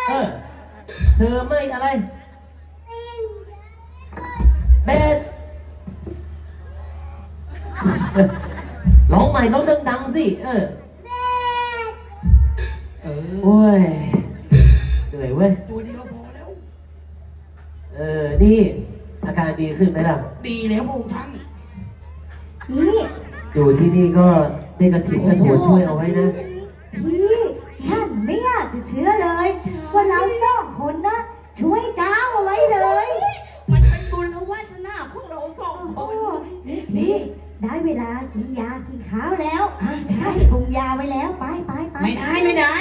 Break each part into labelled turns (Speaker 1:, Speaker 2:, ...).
Speaker 1: เธอไม่อะไรเบสร้องใหม่ร้องดังๆสิโอ้ยเหนื่อยเว้ย
Speaker 2: ตัวเดียวพอแล้ว
Speaker 1: นี่อาการดีขึ้นไหมล่ะ
Speaker 2: ดีแล้วพระองค์ท่าน
Speaker 3: นี่
Speaker 1: อยู่ที่นี่ก็ได้กระถิ่นกระโถนช่วยเอาไว้นะ
Speaker 3: พี่ฉันไม่อยากจะเชื่อเลยว่าเราสองคนนะช่วยเจ้าเอาไว้เลย
Speaker 2: มันเป็นบุญและวาสนาของเราสองคน
Speaker 3: นี่ได้เวลากินยากินข้าวแล้วใช่ปรุงยาไว้แล้วไป
Speaker 2: ไม่ได้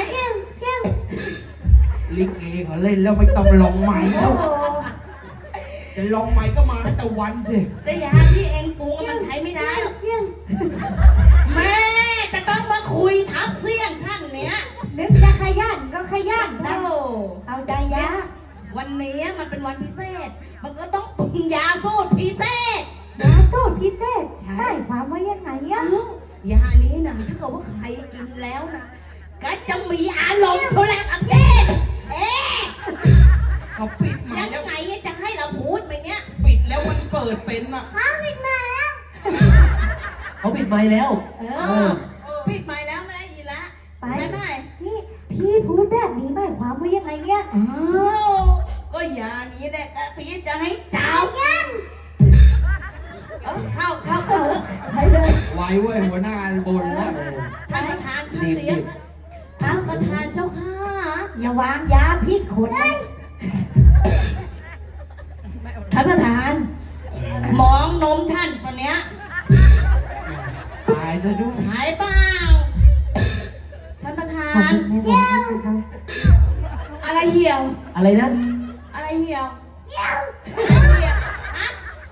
Speaker 2: ลิเกเขาเล่นแล้วไม่ต้องลองใหม่แล้วจะลองใหม่ก็มาแต่วันสิแต่ยาที่เองปรุงมันใช้ไม่ได้แม่จะต้องมาคุยทับเสี้ยงชั้นเนี้ย
Speaker 3: นึกจะขยันก็ขยันนะเอาใจยา
Speaker 2: วันนี้มันเป็นวันพิเศษมันก็ต้องปรุงยาสูตรพิเศษ
Speaker 3: ยาสูตรพิเศษใช่ความว่ายังไงอะ
Speaker 2: ยานี้นะถ้าเกิดว่าใครกินแล้วนะก็จะมีอารมณ์โชลักอเพศเขาปิดมาแล้วไงจะให้เราพูดไหมเนี่ยปิดแล้วมันเปิดเป็นอ่ะ
Speaker 3: ปิดมาแล้ว
Speaker 1: เขาปิดไมค์แล้ว
Speaker 2: ปิดไมค์แล้วไม่ได้ยินละใช่ไหม
Speaker 3: นี่พี่พูดแบบนี้หมายความว่ายังไงเนี่ย
Speaker 2: ก็ยานี้แหละพี่จะให้เจ้ายังเข้า
Speaker 3: ให้เลย
Speaker 2: ไว้เว้ยหัวหน้าบนแล้วท่านประธานท่านเลี้ยงท่านประธานเจ้าค่ะ
Speaker 3: อย่าวางยาพิษคน
Speaker 2: ท่านประธานมองนมท่านวันเนี้ยตายจะดูสายเปล่าท่านประธาน
Speaker 3: เหี่ยว
Speaker 2: อะไรเหี่ยว
Speaker 1: อะไรนะ
Speaker 2: อะไรเหี่ยวฮะ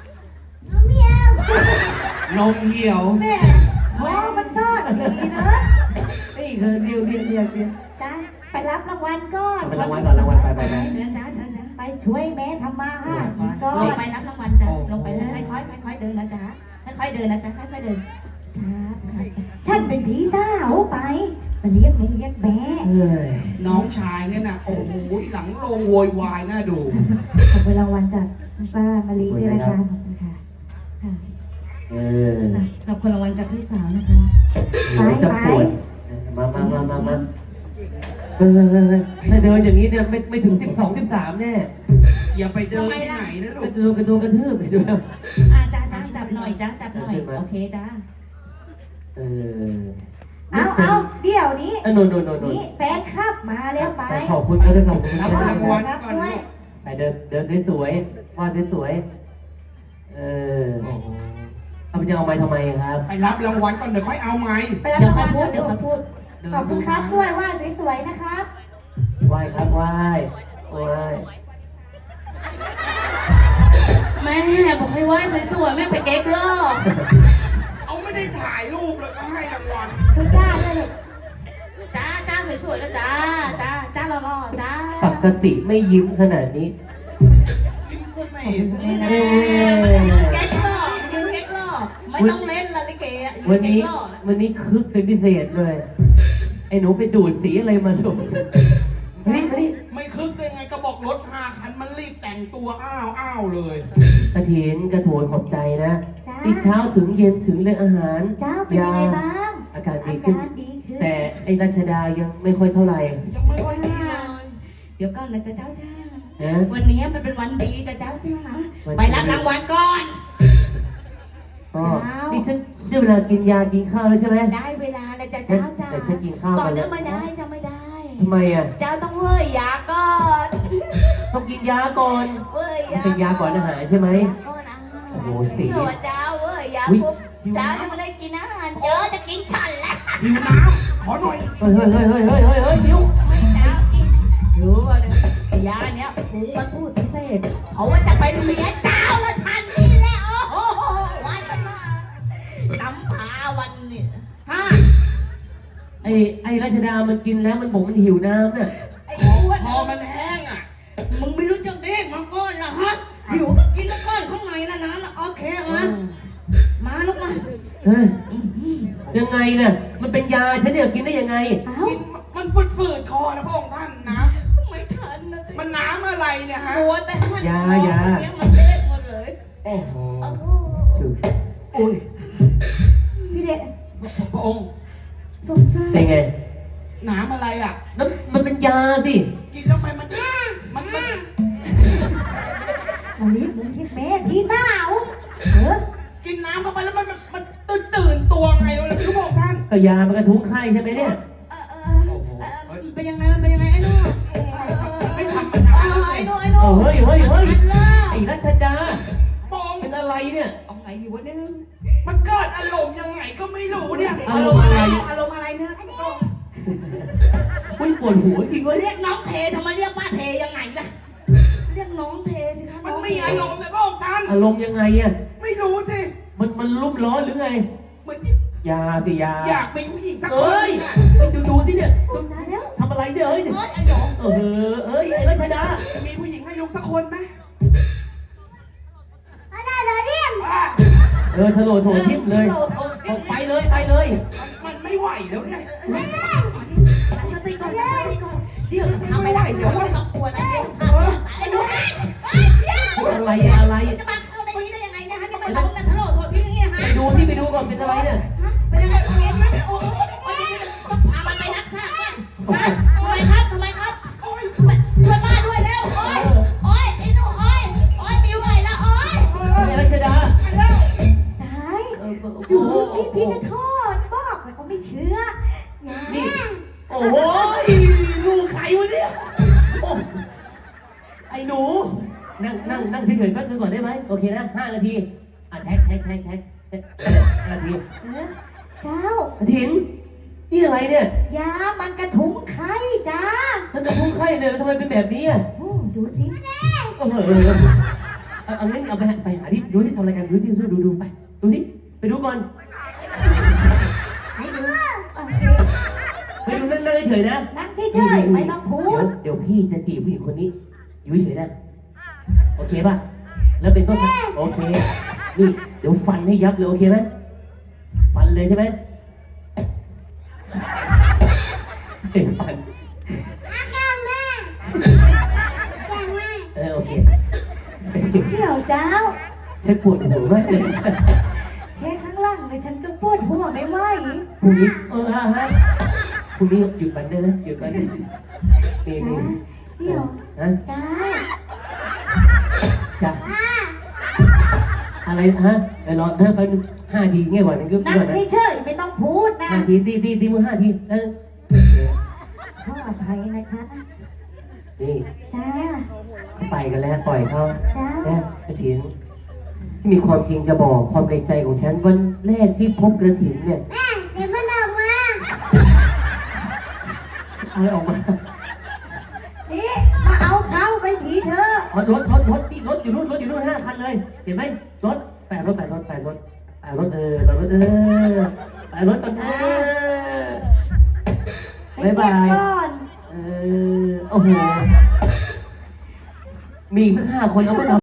Speaker 2: นมเหี่ยว
Speaker 3: แม่มองมันซ่อนดีเนอะ
Speaker 1: นี่เธอเรียว
Speaker 3: จ้าไปรับรางวัลก่อน
Speaker 1: ไปรางวัลก่อนรางวัลไป
Speaker 2: เชิญจ้า
Speaker 3: ไปช่วยแม่ทำมาหากินก่อน
Speaker 2: ไปรับรางวัลจ้าลงไปจ้าค่อยเดินนะจ้าค่อยเดินนะจ้าค่อยเดินจ้า
Speaker 3: ฉันเป็นผีสาวไปเรียกมึงเรียกแม่
Speaker 2: น้องชายเนี่ยนะโอ้โหหลังโรงโวยวายน่าดู
Speaker 3: ขอบคุณรางวัลจากป้ามะลิด้วยนะคะขอบคุณค่ะขอบคุณรางวัลจากพี่สาวนะคะไป
Speaker 1: มาถ้าเดินอย่างนี้เนี่ยไม่ถึง12 13แน่
Speaker 2: อย่าไปเดินที่ไหนนะลูก
Speaker 1: กระโดดกระทืบไปดูแล้ว
Speaker 2: จ้าจับหน่อยจับหน่อยโอเคจ้า
Speaker 3: เอาเดี๋ยวนี้
Speaker 1: นี่
Speaker 3: แฟนคลับมาแล้วไป
Speaker 1: ขอบคุณด้วยขอบคุณ
Speaker 2: รับรางวัลก่อน
Speaker 1: ไปเดินสวยๆวาดสวยเอาไปจะเอาไม้ทำไมครับ
Speaker 2: ไปรับรางวัลก่อนเดี๋ยวค่อยเอาไม้
Speaker 3: เดี๋ยวค่อยพูดขอบคุณครับด้วยว่าสวยๆนะครับ
Speaker 1: ไหว้ครับไหว้
Speaker 2: แม่บอกให้ไหว้สวยๆแม่ไปเก๊กล่อเขาไม่ได้ถ่ายรูปแล้วก็ให้รางวัล
Speaker 3: คุณจ้าเลย
Speaker 2: จ้าสวยๆนะจ้าหล่อๆจ้า
Speaker 1: ปกติไม่ยิ้มขนาดนี้
Speaker 2: ยิ้มสุดไหมเก๊กล่อไม่ต้องเล่นละลิเกะ
Speaker 1: วันนี้คึกเป็นพิเศษเลยไอ้หนูไปดูดสีอะไรมาสุดนี่
Speaker 2: ไม่คึกได้ไงกระบอกรถ5 คันมันรีบแต่งตัวอ้าวเลย
Speaker 1: กระถินกระโถนขอบใจนะที่เช้าถึงเย็นถึงเรื่องอาหาร
Speaker 3: เจ้าเป็นยังไงบ้าง
Speaker 1: อากาศดีขึ้นแต่ไอ้รัชดายังไม่ค่อยเท่าไหร่
Speaker 2: ยังไม่ค่อยดีเลยเดี๋ยวก่อนนะเจ้าวันนี้มันเป็นวันดีเจ้าไปรับรางวัลก่อน
Speaker 1: นี่ฉันได้เวลากินยากินข้าวแล้วใช่ไหม
Speaker 2: ได้เวลาแล้วจ้า
Speaker 1: แต่ฉันกินข้าว
Speaker 2: ก่อนเดินไม่ได้จะไม่ได้
Speaker 1: ทำไมอ่ะ
Speaker 2: เจ้าต้องเว้ยยาก่อน
Speaker 1: ต้องกินยาก่อน
Speaker 2: เว้ยยา
Speaker 1: เป็นยาก่อนอาหารใช่ไหม
Speaker 2: ก่อนอาหาร
Speaker 1: โอ้โหสี
Speaker 2: เจ้าเว้ยยาปุ๊บเจ้าจะไม่ได้กินอาหารเจ้าจะกินฉันแล้วหิวน้ำขอหน่อย
Speaker 1: เฮ้ยหิว
Speaker 2: เจ้ากินรู้ป่ะยาเนี้ยผมมาพูดพิเศษเพราะว่าจะไปเมียเจ้าแล้วทันนี่แหละโอ้โหวันกันมาตำผาวันเนี่ย
Speaker 1: ไอ้รัชดามันกินแล้วมันบอกมันหิวน้ำเนี่ย
Speaker 2: พอมันแห้งอ่ะมึงไม่รู้จักเด็กมาก่อนเหรอฮะหิวก็กินแล้วก้อนข้างในนะโอเคมาลูกมา
Speaker 1: ยังไงเนี่ยมันเป็นยาฉันเนี่ยกินได้ยังไง
Speaker 2: กินมันฝืดคอนะพระองค์ท่านนะไม่ทันมัวแต่มัน
Speaker 1: ยา
Speaker 2: เนี่ยมันเล็กหมดเลย
Speaker 4: โอ้โห
Speaker 2: โอ้โห
Speaker 1: ถูก
Speaker 4: อุ้ย
Speaker 3: พี่เด็ก
Speaker 4: พระองค์
Speaker 3: สงสาร
Speaker 1: เป็นไง
Speaker 4: หนามอะไรอ่ะ
Speaker 1: แล้วมันเป็นยาสิ
Speaker 4: กินแล้วมัน
Speaker 3: เอาลิ้นมึงที่แม่พี่สาวเออ
Speaker 4: กินน้ำเข้าไปแล้วมันตื่นตัวไงวะเลยพี่บอกท่าน
Speaker 1: ก็ยามันกระทุ้งไข้ใช่ไหมเนี่ย
Speaker 2: เป็นยังไงมันเป็นยังไงไอ้นู่น
Speaker 4: ไม่ธรรมดา
Speaker 2: ไอ้นู่นไอ้นู่น
Speaker 1: เฮ้ยไอ้รัชดา
Speaker 4: ปอง
Speaker 1: เป็นอะไรเนี่ย
Speaker 2: เอาไงอยู่วะเนี่ย
Speaker 4: มันเกิดอารมณ์ยังไงก็ไม่รู้เนี่ย
Speaker 1: อารมณ์อะไร
Speaker 2: อารมณ์อะไรเนี่ย
Speaker 1: อุ้ยปวดหัวจริงเวะ
Speaker 2: เรียกน้องเททำไมเรียกป้าเทยังไงล่ะเรียกน้องเทสิครับ
Speaker 4: มันมีอารมณ์เลยพระองค์ท่าน
Speaker 1: อารมณ์ยังไงอ่ะ
Speaker 4: ไม่รู้สิ
Speaker 1: มันรุ่มร้อนหรือไง
Speaker 4: เหมือน
Speaker 1: ยาสิยา
Speaker 4: อยากมีผู้หญิงสักค
Speaker 1: เอ้
Speaker 4: น
Speaker 1: ยดูสิเนี่ย
Speaker 3: ตายแล้ว
Speaker 1: ทำอะไรเนี่ยเอ้ย
Speaker 2: ไอ้หนอง
Speaker 1: เอ้ยไอ้รัชดา
Speaker 4: จะมีผู้หญิงให้ลูกสักคนไหม
Speaker 3: อะไรเหรอเนี่ย
Speaker 4: ว่า
Speaker 1: ทะโหลโถทิพย์เลยไปเลย
Speaker 4: มันไม่ไหวแล้วเนี่ย
Speaker 2: สติก่อนสติก่อนเดี๋ยวทำไม่ได้เดี๋ยวไม่ต้องกลัวนะเดี๋ยวไอ้หนูเดี๋ยว
Speaker 1: อะไร
Speaker 2: จะมาเข้าในนี้ได้ยังไงนะฮะนี่มันร้องนะทะโหลโทษพี่อย่างเงี้ยฮะ
Speaker 1: ไปดูก่อนเป็นอะไรเนี่ย
Speaker 2: เป็นยังไงเห็นไหมโอ้ยต้องพามันไปรักษาเนี่ยทำไมครับช่วยป้าด้วยเร็วโอ้ยไอ้หนูโอ้ยมีไหวแล้วโอ้ย
Speaker 1: ไอ้รัชดา
Speaker 3: ตายดูสิพี่ก็โทษบอกแล้วก็ไม่เชื่ออย่า
Speaker 1: นี่โอ้ยลูกใครวะเนี่ยไอ้หนูนั่งเฉยๆแป๊บนึงก่อนได้ไหมโอเคนะ5 นาทีแท็ก5 นาที
Speaker 3: เจ้า
Speaker 1: อาทินนี่อะไรเนี่ย
Speaker 3: ยามันกระทุ้งไข่จ้า
Speaker 1: ท่านจะพุ่งไข้เนี่ยแล้วทำไมเป็นแบบนี้อ่ะ
Speaker 3: ดูสิ
Speaker 1: เอางั้นเอาไปหาที่ดูที่ทำอะไรกันดูที่ดูไปดูสิไปดูก่อน
Speaker 3: ให้ดูโอเค
Speaker 1: ไปดูนั่งเฉยๆนะ
Speaker 3: นั่งเฉยๆไม่ต้องพูด
Speaker 1: เดี๋ยวพี่จะจีบผู้หญิงคนนี้อยู่เฉยๆนะโอเคป่ะแล้วเป็นต้นโอเคนี่เดี๋ยวฟันให้ยับเลยโอเคไหมฟันเลยใช่ไหมฟันโอเค
Speaker 3: เดี๋ยวเจ้า
Speaker 1: ฉันปวดหัวมากเลย
Speaker 3: แค่ข้างล่างเลยฉันก็ปวดหัวไม่ไหว
Speaker 1: พรุ่งนี้ฮะพรุ่งนี้หยุดมันได้นะหยุดมันได้นี่
Speaker 3: เดี๋ยว
Speaker 1: ฮะ
Speaker 3: เจ้า
Speaker 1: จ้ะอะไรฮะรอไป5 ทีง่ายกว่านั้นก็
Speaker 3: นั่
Speaker 1: ก่อน
Speaker 3: ง
Speaker 1: นะ
Speaker 3: เฉยๆไม่ต้องพูดนะ
Speaker 1: 5 ทีตีมือ5 ทีเออ
Speaker 3: ขออภัยนะคะ
Speaker 1: นี่
Speaker 3: จ้า
Speaker 1: เขาไปกันแล้วปล่อยเขา
Speaker 3: จ้า
Speaker 1: แล้วกระถินที่มีความจริงจะบอกความในใจของฉันวันแรกที่พบกระถินเนี่ย
Speaker 3: เดี๋ยวมันออกมา
Speaker 1: อะไรออกมา
Speaker 3: นี่มาเอาเขาไปทีเธอ
Speaker 1: นี่รถอยู่นู่น5 คันเลยเห็นไหมรถแปดรถตอนแปดรถตอนบ๊ายบาย
Speaker 3: ก่อน
Speaker 1: โอ้โหมีอีกสัก5 คนเอาไป